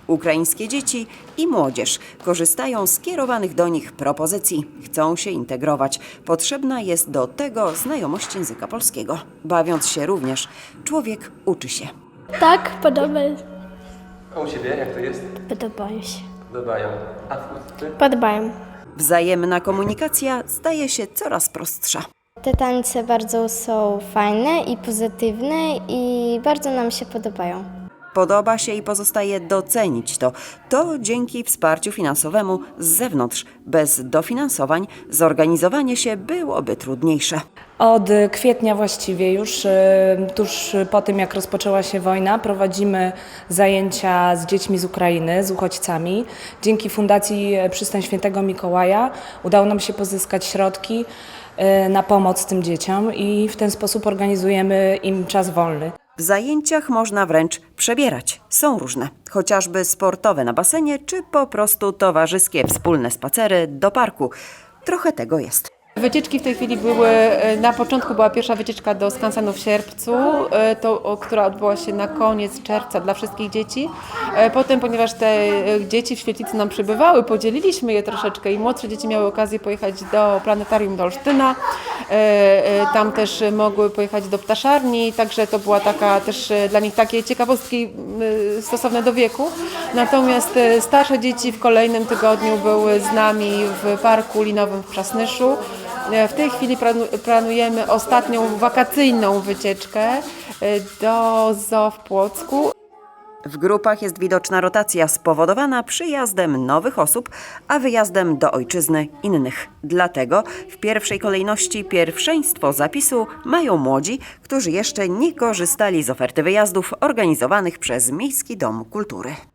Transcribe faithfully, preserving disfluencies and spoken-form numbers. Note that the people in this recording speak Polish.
Ukraińskie dzieci i młodzież korzystają z kierowanych do nich propozycji. Chcą się integrować. Potrzebna jest do tego znajomość języka polskiego. Bawiąc się również, człowiek uczy się. Tak, podoba, A u Ciebie jak to jest? podobają się. Podobają. A Ty? Podobają. Wzajemna komunikacja staje się coraz prostsza. Te tańce bardzo są fajne i pozytywne i bardzo nam się podobają. Podoba się i pozostaje docenić to. To dzięki wsparciu finansowemu z zewnątrz. Bez dofinansowań zorganizowanie się byłoby trudniejsze. Od kwietnia właściwie już, tuż po tym jak rozpoczęła się wojna, prowadzimy zajęcia z dziećmi z Ukrainy, z uchodźcami. Dzięki Fundacji Przystań Świętego Mikołaja udało nam się pozyskać środki na pomoc tym dzieciom i w ten sposób organizujemy im czas wolny. W zajęciach można wręcz przebierać. Są różne, chociażby sportowe na basenie, czy po prostu towarzyskie wspólne spacery do parku. Trochę tego jest. Wycieczki w tej chwili były, na początku była pierwsza wycieczka do skansenu w Sierpcu, to, która odbyła się na koniec czerwca dla wszystkich dzieci. Potem, ponieważ te dzieci w świetlicy nam przybywały, podzieliliśmy je troszeczkę i młodsze dzieci miały okazję pojechać do planetarium do Olsztyna. Tam też mogły pojechać do ptaszarni, także to była taka też dla nich takie ciekawostki stosowne do wieku. Natomiast starsze dzieci w kolejnym tygodniu były z nami w parku linowym w Przasnyszu. W tej chwili planujemy ostatnią wakacyjną wycieczkę do zoo w Płocku. W grupach jest widoczna rotacja spowodowana przyjazdem nowych osób, a wyjazdem do ojczyzny innych. Dlatego w pierwszej kolejności pierwszeństwo zapisu mają młodzi, którzy jeszcze nie korzystali z oferty wyjazdów organizowanych przez Miejski Dom Kultury.